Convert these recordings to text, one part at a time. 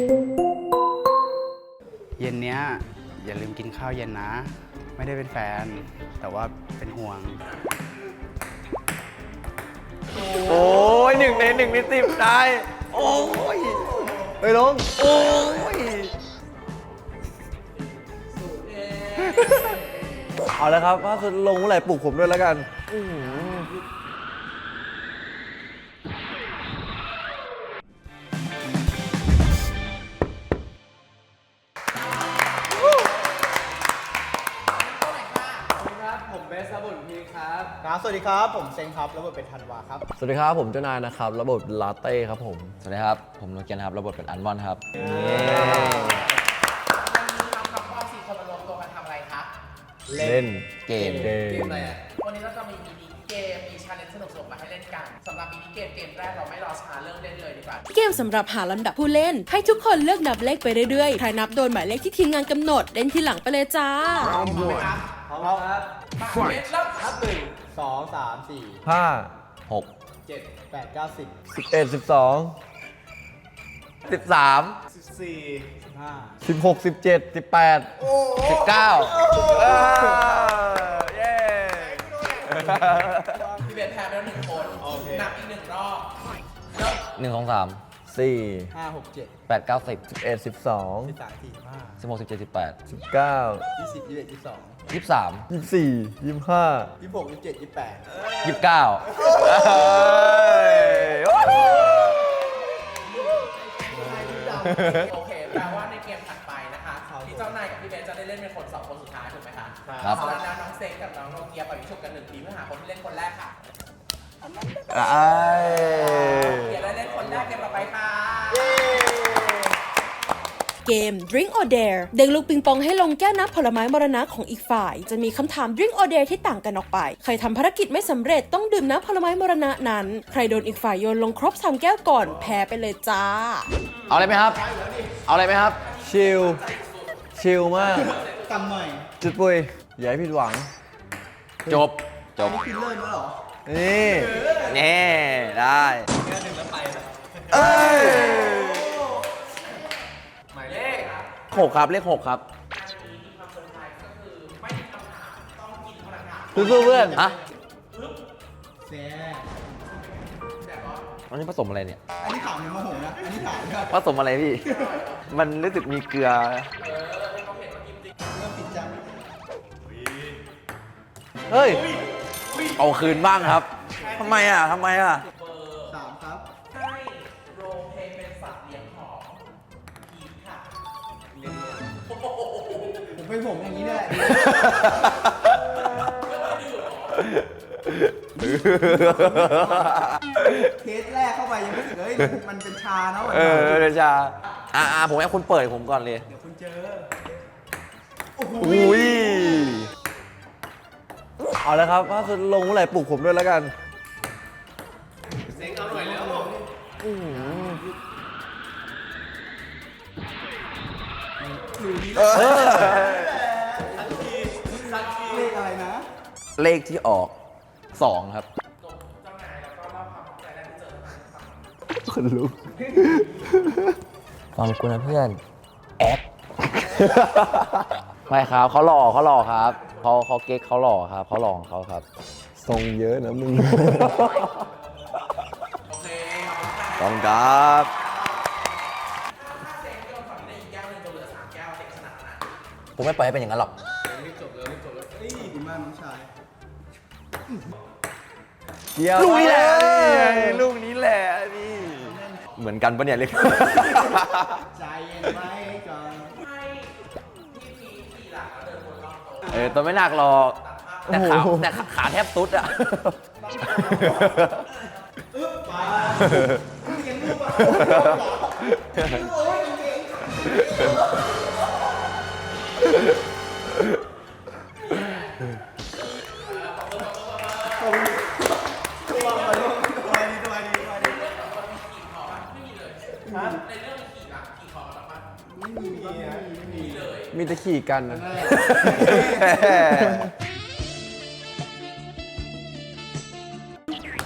เย็นเนี้ยอย่าลืมกินข้าวเย็นนะ ไม่ได้เป็นแฟน แต่ว่าเป็นห่วงโอ้ย1 ใน 10ได้โอ้ยไปลงโอ้ยเอาแล้วครับถ้าลงเมื่อไหร่ปลุกผมด้วยแล้วกันครับสวัสดีครับผมเซนครับแล้วบทเป็นธันวาครับสวัสดีครับผมเจ้านายนะครับระบบลาเต้ครับผมสวัสดีครับ ผมโนเกียนครับ ระบบเป็นอันมอนครับวันนี้เราทั้งพ่อ4 คนมารวมตัวกันทำอะไรคะเล่นเกมอะไรอ่ะวันนี้เราจะมีมินิเกม มีชาเลนจ์สนุกๆมาให้เล่นกันสำหรับมินิเกมแรกเราไม่รอช้าเริ่มเล่นเลยดีกว่าเกมสำหรับหาลำดับผู้เล่น ให้ทุกคนเลือกนับเลขไปเรื่อยๆ ใครนับโดนหมายเลขที่ทีมงานกำหนด เล่นทีหลังไปเลยจ้าพร้อมไหมครับพร้อมครับมาเล่นแล้วนับ1 2 3 4 5 6 7 8 9 10 11 12 13 14 15 16 17 18 19เย้พี่เบนแพ้ไปแล้ว1 คนนับอีก1 รอบเริ่ม 1 2 3 4 5 6 7 8 9 10 11 12 13 14 16 17 18 19 15 20 21 22 23 24 25 26 27 28 29 โอเคแปลว่าในเกมถัดไปนะคะที่เจ้านายกับพี่เบนจะได้เล่นเป็นคน2 คนสุดท้ายถูกไหมคะครับเพราะฉะนั้นน้องเซนกับน้องโนเกียปล่อยวิชุกกัน1 ทีเพื่อหาคนที่เล่นคนแรกค่ะเกียร์ได้เล่นคนแรกเกมต่อไปค่ะเกม Drink or Dare เด็กลูกปิงปองให้ลงแก้วน้ำผลไม้มรณะของอีกฝ่าย จะมีคำถาม Drink or Dare ที่ต่างกันออกไป ใครทำภารกิจไม่สำเร็จต้องดื่มน้ำผลไม้มรณะนั้น ใครโดนอีกฝ่ายโยนลงครบ3 แก้วก่อนแพ้ไปเลยจ้าเอาอะไรไหมครับ เอาอะไรไหมครับชิลมากกำใหม่จุดปุยอย่าให้ผิดหวังจบคิดเริ่มแล้วเหรอนี่แน่ได้เอ้ยหมายเลข 6 ครับ เลข 6 ครับสู้ๆเพื่อนฮะแซ่อันนี้ผสมอะไรเนี่ยอันนี้ถามยังโมโหนะ อันนี้ถามครับผสมอะไรพี่ มันรู้สึกมีเกลือเริ่มผิดจังเฮ้ยเอาคืนบ้างครับ ทำไมอ่ะ 3 ครับให้โรลเพลย์เป็นสัตว์เลี้ยงของพีทค่ะผมเป็นผมอย่างนี้นี่แหละเทสแรกเข้าไปยังรู้สึกเฮ้ยมันเป็นชาเนาะเดชาผมให้คุณเปิดผมก่อนเลยเดี๋ยวคุณเจออุ้ยเอาแล้วครับถ้าลงเมื่อไหร่ปลุกผมด้วยแล้วกันเลขอะไรนะเลขที่ออก 2 ครับคนลุกฟังกูนะเพื่อน แอด ไม่ครับเขาหล่อครับเขาเก๊กเขาหล่อครับเขาหล่อของเขาครับทรงเยอะนะมึงโอเคต้องครับถ้าเซนโยนฝั่งนี้ได้อีกแก้วหนึงจะเหลือ3 แก้วเซนชนะนะผมไม่ปล่อยให้เป็นอย่างนั้นหรอกเฮ้ยดีมากน้องชายเกี่ยวลูกนี้แหละลูกนี้แหละนี่เหมือนกันปะเนี่ยเล็กใจเย็นไว้ก่อนให้พี่พีทขี่หลังแล้วเดินวนรอบโต๊ะตัวไม่หนักหรอกแต่ขาแทบสุดอ่ะเลี้ยงลูกอ่ะโอ้ยจริงตัวดีในเรื่องขี่หลังขี่คอกันปะไม่มีมีแต่ขี่กันนะ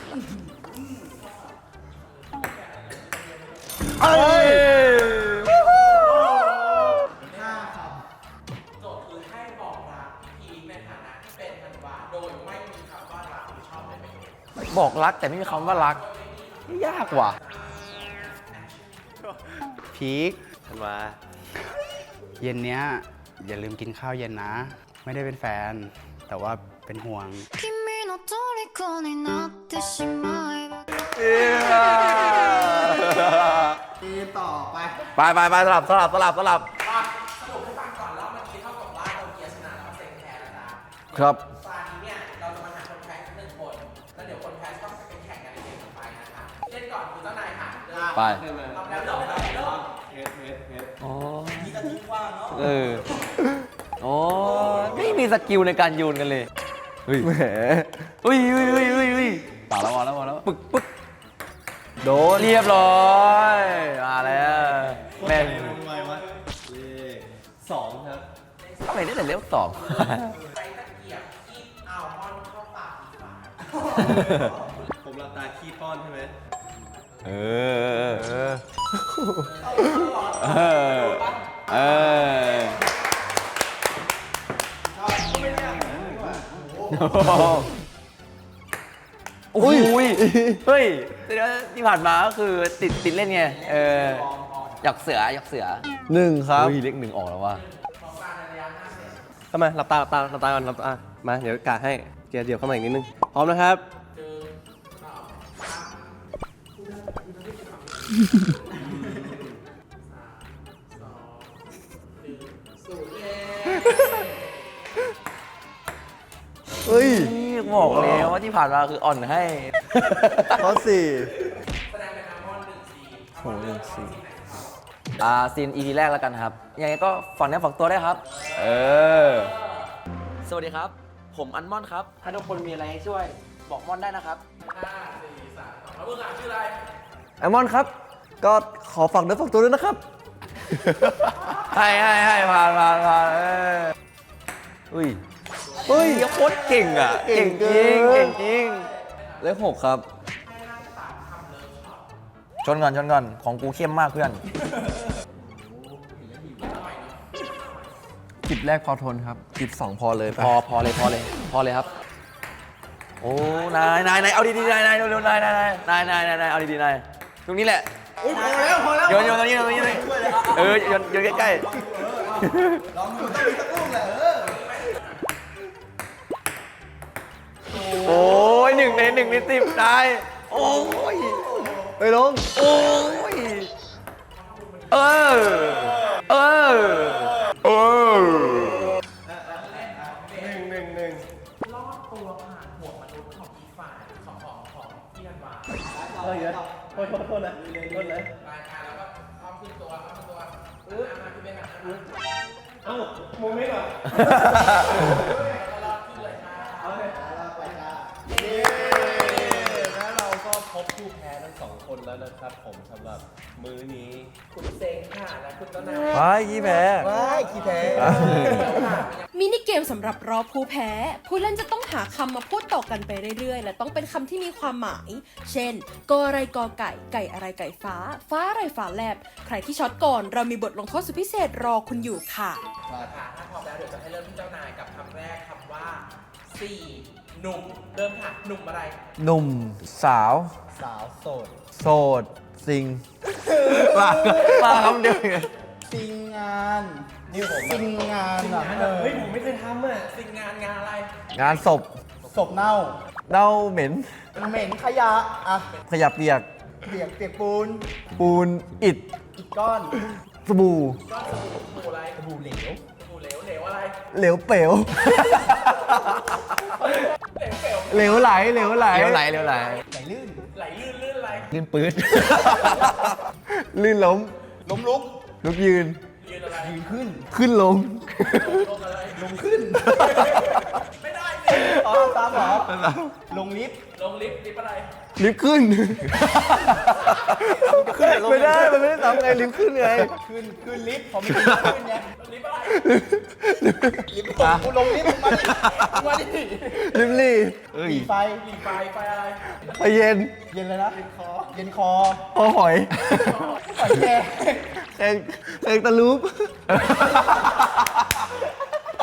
เอ้ยบอกรักแต่ไม่มีคำว่ารัก ยากว่ะพีคทันวาเย็นเนี้ยอย่าลืมกินข้าวเย็นนะ ไม่ได้เป็นแฟน แต่ว่าเป็นห่วง君の虜になってしまえばทีต่อไปไปสลับสรุปให้ฟังก่อนรอบเมื่อกี้เท่ากับว่าโตเกียวชนะแล้วเซ็งแพ้แล้วนะครับ ตอนนี้เนี่ยเราจะมาหาคนแพ้หนึ่งคน แล้วเดี๋ยวคนแพ้ต้องไปแข่งกันในเกมต่อไปนะคะ เล่นก่อนคือเจ้านายค่ะเริ่มไปเราแล้วเริ่มอ๋อเอออ๋อไม่มีสกิลในการโยนกันเลย เฮ้ยแหมเฮ้ยต่อแล้วมาแล้ว ปึ๊กโดนเรียบร้อยมาแล้วแม่ง 2 ครับทำไมได้แต่เลขสองใช้ตะเกียบคีบอัลมอนด์เข้าปากอีกฝ่ายผมหลับตาขี้ป้อนใช่ไหมเออโอ้ยเฮ้ยที่ผ่านมาก็คือติดเล่นไงอยากเสือ 1 ครับเฮ้ยเลขหนึ่งออกแล้วว่ะเข้ามาหลับตาก่อนหลับตามาเดี๋ยวกะให้เดี๋ยวเข้ามาอีกนิดนึงพร้อมนะครับ เฮ้ยนี่บอกแล้วว่าที่ผ่านมาคืออ่อนให้ข้อ 4 ซีน EP แรกแล้วกันครับ ยังไงก็ฝากเนื้อฝากตัวได้วยครับ สวัสดีครับ ผมอันมอนครับ ถ้าทุกคนมีอะไรให้ช่วย บอกมอนได้นะครับแล้วมึงอ่ะชื่ออะไรแอมมอนครับ ก็ขอฝากเนื้อฝากตัวด้วยนะครับให้ผ่านอุ้ยเฮ้ยยังโคตรเก่งอ่ะเก่งจริงเกินเก่งจริงเลข 6 ครับชนก่อนของกูเข้มมากเพื่อนจิบแรกพอทนครับจิบ2พอเลยไปพอเลยครับ โอ้นายเอาดีๆนายเร็วๆนายเอาดีๆนายตรงนี้แหละพอแล้วโยนตรงนี้เลยโยนใกล้ๆลองดูต้องมีสักลูกแหละโอ้ย1 ใน 10นายโอ้ยไปลงโอ้ยเออลอดตัวผ่านหัวมนุษย์ของอีกฝ่ายของพี่ธันวาโทษนะโทษนะรายการแล้วก็อ้อมขึ้นตัวมาขึ้นไปหาเอ้าโมเมนต์เหรอแล้วก็รอดขึ้นเลยค่ะแล้วเราก็พบผู้แพ้ทั้ง2 คนแล้วนะครับผมสำหรับมื้อนี้คุณเซ็งค่ะและคุณต้นนายไปขี้แพ้ขี้แพ้มินิเกมสำหรับรอบผู้แพ้ ผู้เล่นจะต้องหาคำมาพูดต่อกันไปเรื่อยๆ และต้องเป็นคำที่มีความหมาย เช่นกออะไรกอไก่ ไก่อะไรไก่ฟ้า ฟ้าอะไรฟ้าแลบ ใครที่ช็อตก่อนเรามีบทลงโทษสุดพิเศษรอคุณอยู่ค่ะค่ะถ้าพร้อมแล้วเดี๋ยวจะให้เริ่มที่เจ้านายกับคำแรกคำว่า4หนุ่มเริ่มค่ะหนุ่มอะไรหนุ่มสาวโสดซิงมาคำเดียวซิงงานนี่ผมซิงงานอ่ะเฮ้ยผมไม่เคยทำอ่ะสิ่งงานอะไรงานศพเน่าเหม็นเหม็นขยะ อ่ะขยะเปียกเปียกปูนปูนอิฐอีกก้อนสบู่ก้อนสบู่อะไรสบู่เหลวสบู่เหลวเหลวอะไรเหลวเป๋วเหลวเปลวเหลวไหลไหลลื่นไหลลื่นลื่นอะไรลื่นปื๊ด ลื่นล้มล้มลุกลุกยืนยืนอะไรยืนขึ้นขึ้นลงลงอะไรลงขึ้นไม่ได้สิอ๋อตามเหรอ ลงลิฟต์ลงลิฟต์ลิฟต์อะไรลิฟต์ขึ้น ไม่ได้ มันไม่ได้ทำไงลิฟต์ขึ้นไงขึ้นลิฟต์ผมไม่ขึ้นขึ้นไงลิฟต์อะไรลิฟต์กูลงลิฟต์มึงมาดิลิฟต์ลี่หลีไฟหลีไฟไฟอะไรไปเย็นเย็นเลยนะ เย็นคอพอหอยหอยแครงแข่งตะลุป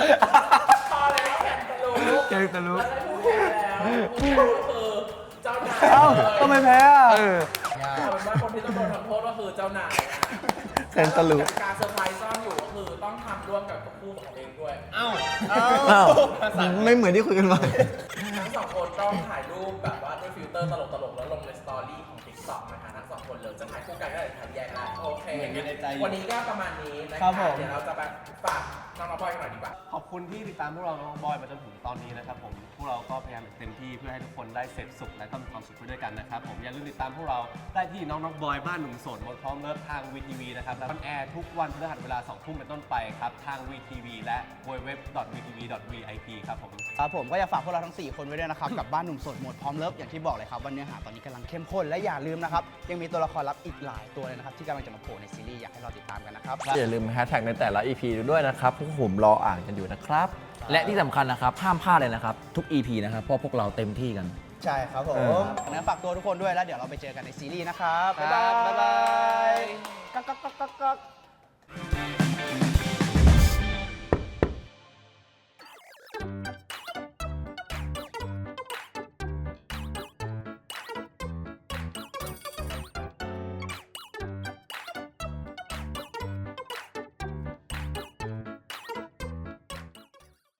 พอแล้วแข่งตะลุกแข่งตะลุปแล้วได้ผู้แพ้แล้วผู้แพ้ก็คือเจ้านเอ้าทำไมแพ้อ่ะเอาเป็นว่าคนที่ต้องโดนทำโทษก็คือเจ้านายนะเซนตะลุการเซอร์ไพรส์ซ่อนอยู่ก็คือต้องทำร่วมกับคู่ของตัวเองด้วยอ้าวไม่เหมือนที่คุยกันไว้ทั้งสองคนต้องถ่ายรูปแบบว่าด้วยฟิลเตอร์ตลกๆแล้วลงในสตอรี่ของ TikTok นะคะทั้งสองคนเลยจะถ่ายคู่กันก็ได้ถ่ายแยกได้โอเควันนี้ก็ประมาณนี้นะครับเดี๋ยวเราจะแบบฝากน้องๆบอยกันหน่อยดีกว่าขอบคุณที่ติดตามพวกเราน้องบอยมาจนถึงตอนนี้นะครับผม พวกเราก็พยายามอย่างเต็มที่เพื่อให้ทุกคนได้เสพสุขและก็มีความสุขไปด้วยกันนะครับผมอย่าลืมติดตามพวกเราได้ที่น้องบอยบ้านหนุ่มโสดหมดพร้อมเลิฟทาง VTV นะครับและออนแอร์ทุกวันพฤหัสเวลา 2 ทุ่มเป็นต้นไปครับทาง VTV และ www.vtv.vip ครับผมครับผมก็อยากฝากพวกเราทั้ง 4 คนไว้ด้วยนะครับ กับบ้านหนุ่มโสดโหมดพร้อมเลิฟอย่างที่บอกเลยครับว่าเนื้อหาตอนนี้กำลังเข้มข้นและอย่าลืมนะครับยังมีตัวละครลับอีกหลายตัวเลยนะครับที่กำลังจะมาโผล่ในซีรีส์อยากให้เราติดตามกันนะครับอย่าลืมแฮชแท็กในแต่ละ EP ด้วยนะครับพวกผมรออ่านกันอยู่นะครับและที่สำคัญนะครับห้ามพลาดเลยนะครับทุก EP นะครับเพราะพวกเราเต็มที่กันใช่ครับผมงั้นฝากตัวทุกคนด้วยแล้วเดี๋ยวเราไปเจอกันในซีรีส์นะครับครับบ๊ายบายก๊อกก๊อกก๊อกก๊อก